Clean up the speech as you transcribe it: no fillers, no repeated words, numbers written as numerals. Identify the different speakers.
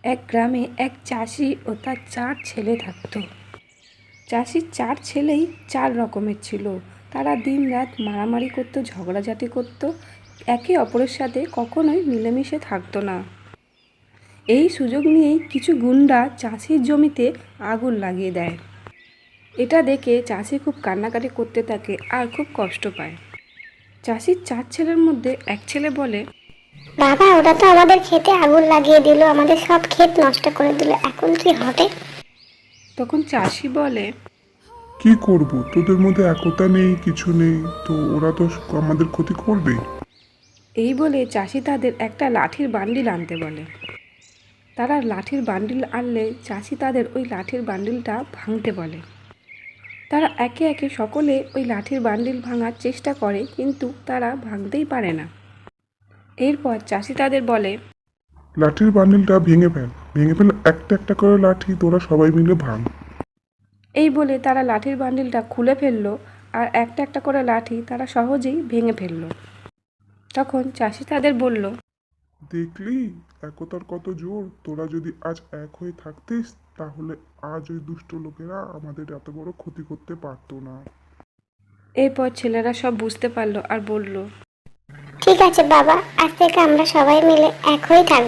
Speaker 1: এক গ্রামে এক চাষি ও তার 4 ছেলে থাকতো। চাষির 4 ছেলেই 4 রকমের ছিল। তারা দিনরাত মারামারি করতো, ঝগড়াঝাটি করতো, একে অপরের সাথে কখনোই মিলেমিশে থাকতো না। এই সুযোগ নিয়েই কিছু গুন্ডা চাষির জমিতে আগুন লাগিয়ে দেয়। এটা দেখে চাষি খুব কান্নাকাটি করতে থাকে আর খুব কষ্ট পায়। চাষির 4 ছেলের মধ্যে এক ছেলে বলে,
Speaker 2: বাবা, ওরা তো আমাদের ক্ষেতে আগুন লাগিয়ে দিল, আমাদের সব ক্ষেত নষ্ট করে দিল, এখন কি হবে?
Speaker 1: তখন চাষি বলে,
Speaker 3: কি করব, তোদের মধ্যে একতা নেই, কিছু নেই, তো ওরা তো আমাদের ক্ষতি করবেই।
Speaker 1: এই বলে চাষি তাদের একটা লাঠির বান্ডিল আনতে বলে। তারা লাঠির বান্ডিল আনলে চাষি তাদের ওই লাঠির বান্ডিলটা ভাঙতে বলে। তারা একে একে সকলে ওই লাঠির বান্ডিল ভাঙার চেষ্টা করে, কিন্তু তারা ভাঙতেই পারে না। এরপর চাষি তাদের বলে,
Speaker 3: লাঠির বান্ডিলটা ভেঙে ফেল, ভেঙে ফেল, একটা একটা করে লাঠি তোরা সবাই মিলে ভাঙ।
Speaker 1: এই বলে তারা লাঠির বান্ডিলটা খুলে ফেললো আর একটা একটা করে লাঠি তারা সহজেই ভেঙে ফেললো। তখন চাষি তাদের বলল,
Speaker 3: দেখলি একতার কত জোর, তোরা যদি আজ এক হয়ে থাকতিস তাহলে আজ ওই দুষ্ট লোকেরা আমাদের এত বড় ক্ষতি করতে পারতো না।
Speaker 1: এরপর ছেলেরা সব বুঝতে পারলো আর বলল,
Speaker 2: ঠিক আছে বাবা, আজ থেকে আমরা সবাই মিলে এক হয়ে থাকবো।